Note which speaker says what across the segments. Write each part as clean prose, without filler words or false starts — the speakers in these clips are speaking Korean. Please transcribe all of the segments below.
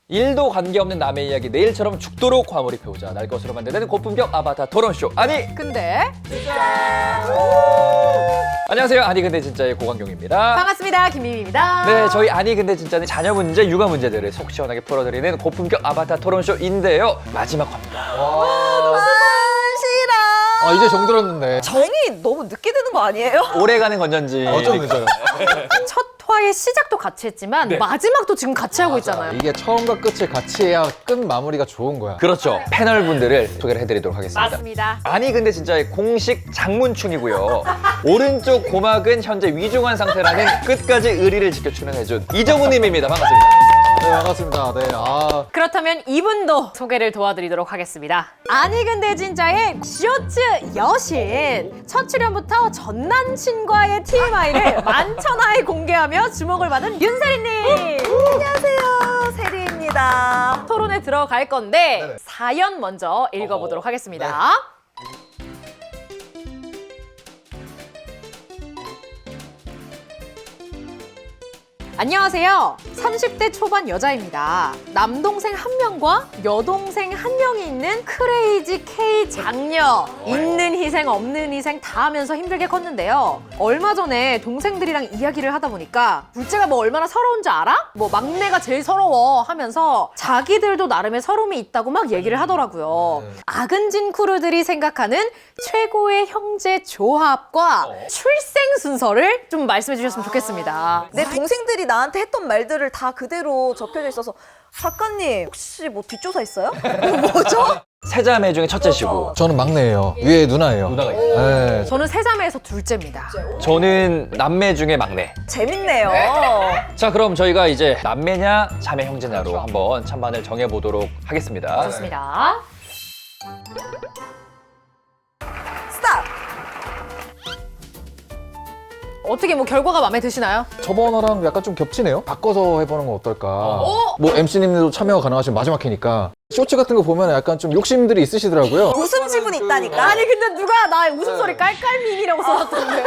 Speaker 1: 일도 관계없는 남의 이야기 내일처럼 죽도록 과몰입해보자. 날 것으로 만드는 고품격 아바타 토론쇼. 아니
Speaker 2: 근데
Speaker 1: 안녕하세요. 아니 근데 진짜의 고광경입니다.
Speaker 2: 반갑습니다. 김미미입니다.
Speaker 1: 네, 저희 아니 근데 진짜는 자녀 문제, 육아 문제들을 속 시원하게 풀어드리는 고품격 아바타 토론쇼인데요. 마지막 화입니다.
Speaker 3: 싫어.
Speaker 4: 이제 정들었는데.
Speaker 3: 정이 너무 늦게 되는 거 아니에요?
Speaker 1: 오래가는 건전지.
Speaker 4: 좀 늦어요.
Speaker 2: 첫 화의 시작도 같이 했지만 마지막도 지금 같이 하고 있잖아요.
Speaker 4: 이게 처음과 끝을 같이 해야 끝 마무리가 좋은 거야.
Speaker 1: 그렇죠. 패널분들을 소개를 해드리도록 하겠습니다.
Speaker 2: 맞습니다.
Speaker 1: 아니 근데 진짜의 공식 장문충이고요. 오른쪽 고막은 현재 위중한 상태라는 끝까지 의리를 지켜 출연해준 이정우님입니다. 반갑습니다.
Speaker 4: 네, 반갑습니다. 네,
Speaker 2: 그렇다면 이분도 소개를 도와드리도록 하겠습니다. 아니 근데 진짜의 쇼츠 여신. 첫 출연부터 전 남친과의 TMI를 만천하에 공개하며 주목을 받은 윤세리님.
Speaker 3: 안녕하세요. 세리입니다.
Speaker 2: 토론에 들어갈 건데 사연 먼저 읽어보도록 하겠습니다. 안녕하세요. 30대 초반 여자입니다. 남동생 한 명과 여동생 한 명이 있는 크레이지 K 장녀. 있는 희생 없는 희생 다 하면서 힘들게 컸는데요. 얼마 전에 동생들이랑 이야기를 하다 보니까 둘째가 뭐 얼마나 서러운지 알아? 뭐 막내가 제일 서러워 하면서 자기들도 나름의 서러움이 있다고 막 얘기를 하더라고요. 아근진 크루들이 생각하는 최고의 형제 조합과 출생 순서를 좀 말씀해 주셨으면 좋겠습니다.
Speaker 3: 내 동생들이 나한테 했던 말들을 다 그대로 적혀져 있어서 작가님 혹시 뭐 뒷조사 있어요? 뭐죠?
Speaker 1: 세 자매 중에 첫째시고
Speaker 4: 저는 막내예요. 위에 누나예요.
Speaker 1: 누나가 있어요.
Speaker 4: 네.
Speaker 2: 저는 세 자매에서 둘째입니다.
Speaker 1: 저는 남매 중에 막내.
Speaker 3: 재밌네요.
Speaker 1: 자, 그럼 저희가 이제 남매냐 자매 형제냐로 한번 찬반을 정해보도록 하겠습니다.
Speaker 2: 좋습니다.
Speaker 3: 스탑!
Speaker 2: 어떻게 뭐 결과가 마음에 드시나요?
Speaker 4: 저번화랑 약간 좀 겹치네요. 바꿔서 해보는 건 어떨까. 뭐 MC님들도 참여가 가능하시면 마지막 회니까. 쇼츠 같은 거 보면 약간 좀 욕심들이 있으시더라고요.
Speaker 3: 웃음 지분 있다니까.
Speaker 2: 아니 근데 누가 나 웃음소리 깔깔밈이라고 써놨던데.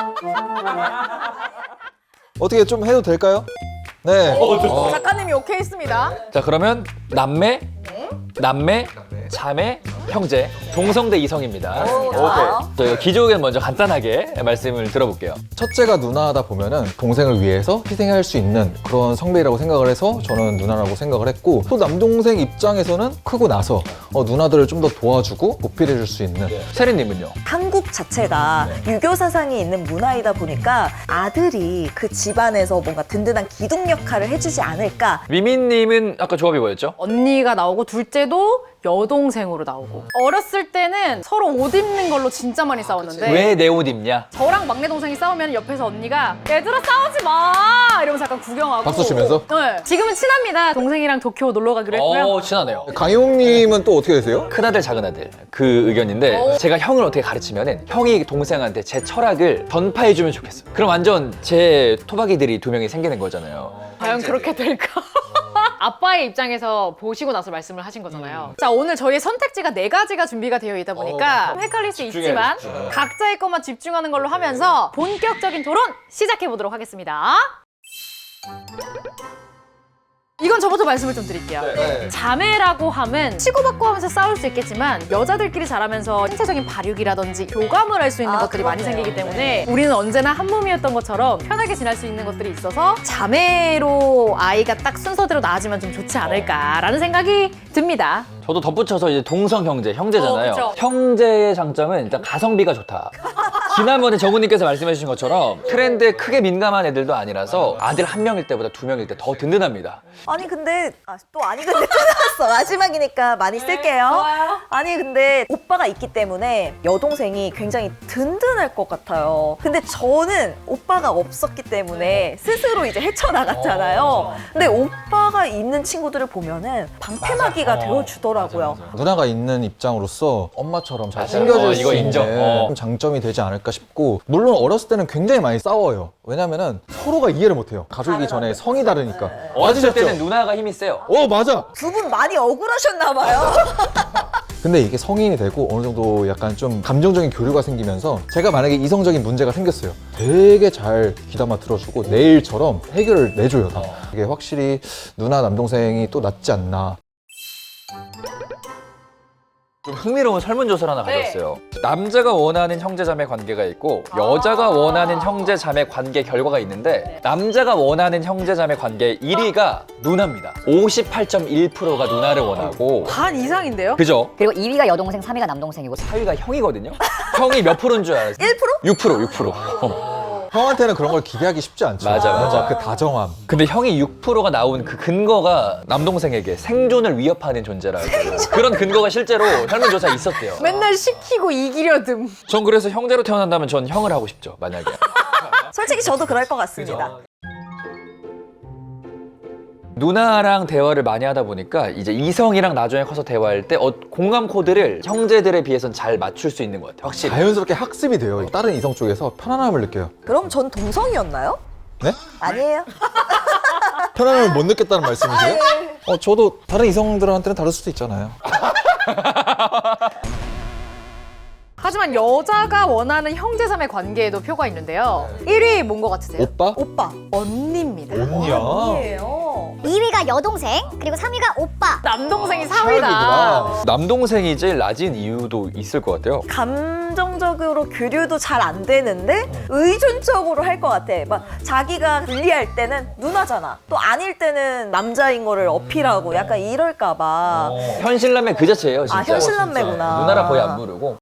Speaker 4: 어떻게 좀 해도 될까요? 네.
Speaker 2: 작가님이 오케이 했습니다.
Speaker 1: 자, 그러면 남매, 남매, 자매, 형제, 동성 대 이성입니다.
Speaker 3: 좋아요.
Speaker 1: 저희가 기조 의견 먼저 간단하게 말씀을 들어볼게요.
Speaker 4: 첫째가 누나다 보면은 동생을 위해서 희생할 수 있는 그런 성별이라고 생각을 해서 저는 누나라고 생각을 했고, 또 남동생 입장에서는 크고 나서 누나들을 좀 더 도와주고 보필해 줄 수 있는.
Speaker 1: 세리님은요?
Speaker 3: 한국 자체가 유교 사상이 있는 문화이다 보니까 아들이 그 집안에서 뭔가 든든한 기둥 역할을 해주지 않을까.
Speaker 1: 미민님은 아까 조합이 뭐였죠?
Speaker 2: 언니가 나오고 둘째도 여동생으로 나오고. 어렸을 때는 서로 옷 입는 걸로 진짜 많이 싸웠는데
Speaker 1: 왜 내 옷 입냐?
Speaker 2: 저랑 막내 동생이 싸우면 옆에서 언니가 얘들아 싸우지 마 이러면서 약간 구경하고.
Speaker 4: 박수 치면서?
Speaker 2: 네. 지금은 친합니다. 동생이랑 도쿄 놀러 가기로 했고요.
Speaker 1: 친하네요.
Speaker 4: 강용님은 또 어떻게 되세요?
Speaker 1: 큰아들, 작은아들 그 의견인데 제가 형을 어떻게 가르치면은 형이 동생한테 제 철학을 전파해주면 좋겠어. 그럼 완전 제 토박이들이 두 명이 생기는 거잖아요.
Speaker 2: 과연 그렇게 될까? 아빠의 입장에서 보시고 나서 말씀을 하신 거잖아요. 자, 오늘 저희의 선택지가 4가지가 준비가 되어 있다 보니까 좀 헷갈릴 수 있지만 각자의 것만 집중하는 걸로 하면서 본격적인 토론 시작해 보도록 하겠습니다. 이건 저부터 말씀을 좀 드릴게요. 자매라고 하면 치고받고 하면서 싸울 수 있겠지만 여자들끼리 자라면서 신체적인 발육이라든지 교감을 할 수 있는 것들이 많이
Speaker 3: 그러네요.
Speaker 2: 생기기 때문에 우리는 언제나 한 몸이었던 것처럼 편하게 지낼 수 있는 것들이 있어서 자매로 아이가 딱 순서대로 낳아지면 좀 좋지 않을까라는 생각이 듭니다.
Speaker 1: 저도 덧붙여서 이제 동성 형제, 형제잖아요.
Speaker 2: 그쵸.
Speaker 1: 형제의 장점은 일단 가성비가 좋다. 지난번에 정우님께서 말씀해 주신 것처럼 트렌드에 크게 민감한 애들도 아니라서 아들 한 명일 때보다 두 명일 때 더 든든합니다.
Speaker 3: 아니 근데 또 아니 근데 또 나왔어. 마지막이니까 많이 쓸게요.
Speaker 2: 좋아요.
Speaker 3: 아니 근데 오빠가 있기 때문에 여동생이 굉장히 든든할 것 같아요. 근데 저는 오빠가 없었기 때문에 스스로 이제 헤쳐나갔잖아요. 근데 오빠가 있는 친구들을 보면은 방패막이가 되어주더라고요.
Speaker 4: 누나가 있는 입장으로서 엄마처럼 잘
Speaker 1: 맞아요.
Speaker 4: 챙겨줄
Speaker 1: 이거
Speaker 4: 수
Speaker 1: 인정.
Speaker 4: 있는 좀 장점이 되지 않을까 싶고, 물론 어렸을 때는 굉장히 많이 싸워요. 왜냐면은 서로가 이해를 못해요. 가족이기 전에 성이 다르니까.
Speaker 1: 어렸을
Speaker 4: 맞으셨죠?
Speaker 1: 때는 누나가 힘이 세요.
Speaker 4: 맞아.
Speaker 3: 두 분 많이 억울하셨나 봐요.
Speaker 4: 근데 이게 성인이 되고 어느 정도 약간 좀 감정적인 교류가 생기면서 제가 만약에 이성적인 문제가 생겼어요. 되게 잘 귀담아 들어주고 내일처럼 해결을 내줘요. 다. 이게 확실히 누나 남동생이 또 낫지 않나.
Speaker 1: 좀 흥미로운 설문조사를 하나 가져왔어요. 남자가 원하는 형제자매 관계가 있고 여자가 원하는 형제자매 관계 결과가 있는데 남자가 원하는 형제자매 관계 1위가 누나입니다. 58.1%가 누나를 원하고
Speaker 2: 반 이상인데요?
Speaker 1: 그죠?
Speaker 5: 그리고 2위가 여동생, 3위가 남동생이고
Speaker 1: 4위가 형이거든요. 형이 몇 프로인 줄 알아요?
Speaker 3: 1%?
Speaker 1: 6%.
Speaker 4: 형한테는 그런 걸 기대하기 쉽지 않죠.
Speaker 1: 맞아.
Speaker 4: 그 다정함.
Speaker 1: 근데 형이 6%가 나온 그 근거가 남동생에게 생존을 위협하는 존재라고 그런 근거가 실제로 설문조사에 있었대요.
Speaker 2: 맨날 시키고 이기려 듬.
Speaker 1: 전 그래서 형제로 태어난다면 전 형을 하고 싶죠, 만약에.
Speaker 3: 솔직히 저도 그럴 것 같습니다.
Speaker 1: 누나랑 대화를 많이 하다 보니까 이제 이성이랑 나중에 커서 대화할 때 공감 코드를 형제들에 비해서는 잘 맞출 수 있는 것 같아요. 확실히.
Speaker 4: 자연스럽게 학습이 돼요. 다른 이성 쪽에서 편안함을 느껴요.
Speaker 3: 그럼 전 동성이었나요?
Speaker 4: 네?
Speaker 3: 아니에요.
Speaker 4: 편안함을 못 느꼈다는 말씀이세요? 저도 다른 이성들한테는 다를 수도 있잖아요.
Speaker 2: 하지만 여자가 원하는 형제자매 관계에도 표가 있는데요. 1위 뭔 것 같으세요?
Speaker 4: 오빠?
Speaker 3: 오빠.
Speaker 2: 언니입니다.
Speaker 4: 언니야.
Speaker 3: 아니에요.
Speaker 5: 2위가 여동생, 그리고 3위가 오빠.
Speaker 2: 남동생이 4위다.
Speaker 4: 최악이구나.
Speaker 1: 남동생이 제일 낮은 이유도 있을 것 같아요.
Speaker 3: 감정적으로 교류도 잘 안 되는데 의존적으로 할 것 같아. 막 자기가 불리할 때는 누나잖아. 또 아닐 때는 남자인 거를 어필하고 약간 이럴까 봐.
Speaker 1: 현실남매 그 자체예요, 진짜.
Speaker 3: 아, 현실남매구나.
Speaker 1: 누나랑 거의 안 부르고.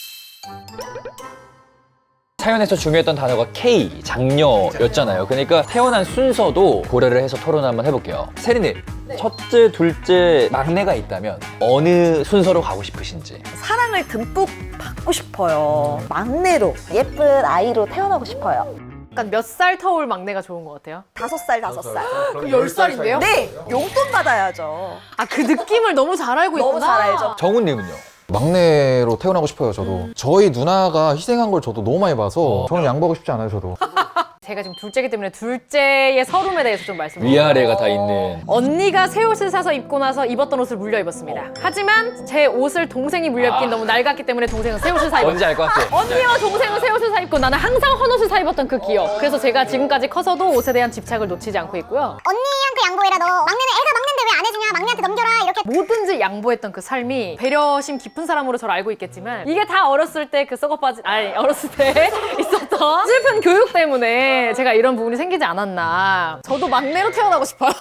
Speaker 1: 사연에서 중요했던 단어가 K, 장녀였잖아요. 그러니까 태어난 순서도 고려를 해서 토론 한번 해볼게요. 세리님, 첫째, 둘째, 막내가 있다면 어느 순서로 가고 싶으신지.
Speaker 3: 사랑을 듬뿍 받고 싶어요. 막내로 예쁜 아이로 태어나고 싶어요.
Speaker 2: 약간 몇 살 터울 막내가 좋은 것 같아요?
Speaker 3: 5살, 5살.
Speaker 2: 그 10살인데요?
Speaker 3: 네! 용돈 받아야죠.
Speaker 2: 아, 그 느낌을 너무 잘 알고 있구나.
Speaker 3: 너무 잘 알죠.
Speaker 1: 정훈님은요?
Speaker 4: 막내로 태어나고 싶어요, 저도. 저희 누나가 희생한 걸 저도 너무 많이 봐서 저는 양보하고 싶지 않아요, 저도.
Speaker 2: 제가 지금 둘째이기 때문에 둘째의 서름에 대해서 좀 말씀드릴게요.
Speaker 1: 위아래가 다 있는.
Speaker 2: 언니가 새 옷을 사서 입고 나서 입었던 옷을 물려 입었습니다. 하지만 제 옷을 동생이 물려 입긴 너무 낡았기 때문에 동생은 새 옷을 사 입었어요.
Speaker 1: 뭔지 알 것 같아.
Speaker 2: 언니와 동생은 새 옷을 사 입고 나는 항상 헌옷을 사 입었던 그 기억. 그래서 제가 지금까지 커서도 옷에 대한 집착을 놓치지 않고 있고요.
Speaker 5: 언니한테 양보해라 너. 막내는 애가 막내인데 왜 안 해주냐? 막내한테 넘겨라 이렇게.
Speaker 2: 뭐든지 양보했던 그 삶이 배려심 깊은 사람으로 저를 알고 있겠지만 이게 다 어렸을 때 그 썩어빠진 어렸을 때 있었던 슬픈 교육 때문에 제가 이런 부분이 생기지 않았나. 저도 막내로 태어나고 싶어요.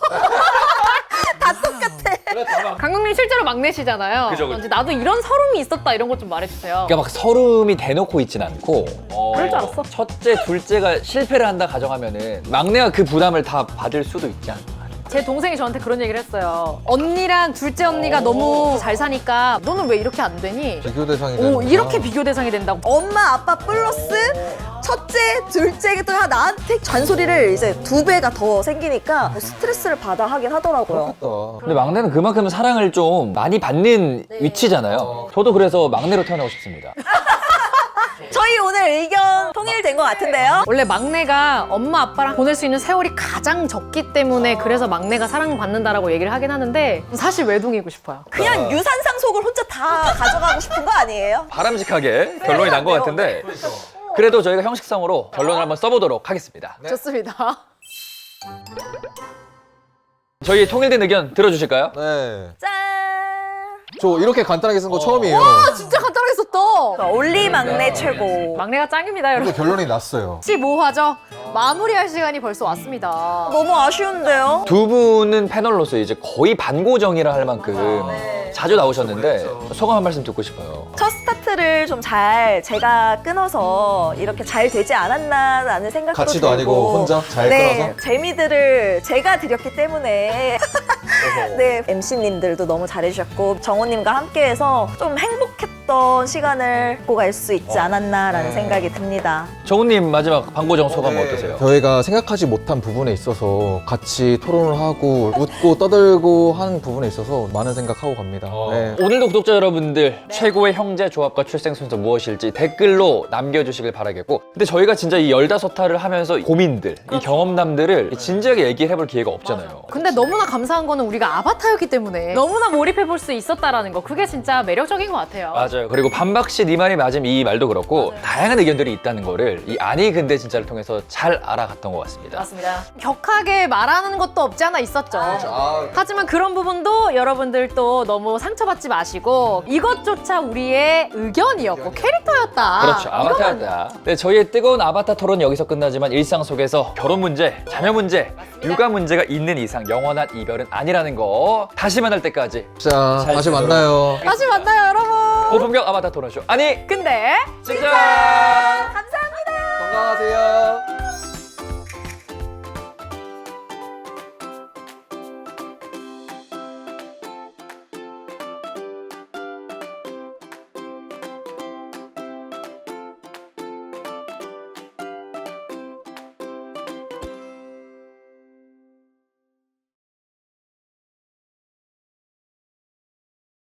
Speaker 3: 다 똑같아.
Speaker 2: 강국님 실제로 막내시잖아요.
Speaker 1: 그죠.
Speaker 2: 이제 나도 이런 서름이 있었다 이런 것 좀 말해주세요.
Speaker 1: 그러니까 막 서름이 대놓고 있진 않고
Speaker 2: 그럴 줄 알았어.
Speaker 1: 첫째, 둘째가 실패를 한다 가정하면은 막내가 그 부담을 다 받을 수도 있지 않나.
Speaker 2: 제 동생이 저한테 그런 얘기를 했어요. 언니랑 둘째 언니가 너무 잘 사니까 너는 왜 이렇게 안 되니?
Speaker 4: 비교 대상이 되는
Speaker 2: 오, 이렇게 비교 대상이 된다고.
Speaker 3: 엄마, 아빠 플러스 첫째, 둘째 또 나한테 잔소리를 이제 2배가 더 생기니까 스트레스를 받아 하긴 하더라고요.
Speaker 1: 근데 막내는 그만큼 사랑을 좀 많이 받는 위치잖아요. 저도 그래서 막내로 태어나고 싶습니다.
Speaker 3: 저희 오늘 의견 통일된 것 같은데요?
Speaker 2: 원래 막내가 엄마 아빠랑 보낼 수 있는 세월이 가장 적기 때문에 그래서 막내가 사랑받는다라고 얘기를 하긴 하는데 사실 외동이고 싶어요.
Speaker 3: 그냥 유산상속을 혼자 다 가져가고 싶은 거 아니에요?
Speaker 1: 바람직하게 결론이 난 것 같은데 그래도 저희가 형식성으로 결론을 한번 써보도록 하겠습니다.
Speaker 2: 좋습니다.
Speaker 1: 저희 통일된 의견 들어주실까요?
Speaker 4: 네.
Speaker 3: 짠!
Speaker 4: 저 이렇게 간단하게 쓴 거 처음이에요.
Speaker 2: 아, 진짜 간단하게 썼다.
Speaker 3: 올리 막내 최고.
Speaker 2: 막내가 짱입니다, 여러분.
Speaker 4: 이거 결론이 났어요.
Speaker 2: 15화죠. 마무리할 시간이 벌써 왔습니다.
Speaker 3: 너무 아쉬운데요?
Speaker 1: 두 분은 패널로서 이제 거의 반고정이라 할 만큼 자주 나오셨는데 소감 한 말씀 듣고 싶어요.
Speaker 3: 첫 스타트를 좀 잘 제가 끊어서 이렇게 잘 되지 않았나라는 생각도
Speaker 4: 같이도
Speaker 3: 들고
Speaker 4: 아니고 혼자 잘
Speaker 3: 네,
Speaker 4: 끊어서?
Speaker 3: 재미들을 제가 드렸기 때문에 네, MC님들도 너무 잘해주셨고 정호님과 함께해서 좀 행복했던 시간을 갖고 갈 수 있지 않았나라는 생각이 듭니다.
Speaker 1: 정우님 마지막 방고정 소감 어떠세요?
Speaker 4: 저희가 생각하지 못한 부분에 있어서 같이 토론을 하고 웃고 떠들고 하는 부분에 있어서 많은 생각하고 갑니다. 네.
Speaker 1: 오늘도 구독자 여러분들 최고의 형제 조합과 출생 순서 무엇일지 댓글로 남겨주시길 바라겠고, 근데 저희가 진짜 이 15탈을 하면서 고민들, 이 경험담들을 진지하게 얘기를 해볼 기회가 없잖아요.
Speaker 2: 근데 너무나 감사한 거는 우리가 아바타였기 때문에 너무나 몰입해볼 수 있었다라는 거. 그게 진짜 매력적인 것 같아요.
Speaker 1: 맞아요. 그리고 반박시 네 말이 맞음 이 말도 그렇고 다양한 의견들이 있다는 거를 이 아니 근데 진짜를 통해서 잘 알아갔던 것 같습니다.
Speaker 2: 맞습니다. 격하게 말하는 것도 없지 않아 있었죠. 하지만 그런 부분도 여러분들 또 너무 상처받지 마시고 이것조차 우리의 의견이었고 캐릭터였다.
Speaker 1: 그렇죠. 아바타였다. 네, 저희의 뜨거운 아바타 토론은 여기서 끝나지만 일상 속에서 결혼 문제, 자녀 문제, 육아 문제가 있는 이상 영원한 이별은 아니라는 거 다시 만날 때까지
Speaker 4: 자,
Speaker 1: 잘
Speaker 4: 다시
Speaker 1: 지내도록.
Speaker 4: 만나요.
Speaker 2: 다시 만나요, 여러분.
Speaker 1: 고품격 아바타 토론쇼 아니
Speaker 2: 근데
Speaker 1: 진짜
Speaker 2: 감사합니다.
Speaker 4: 건강하세요.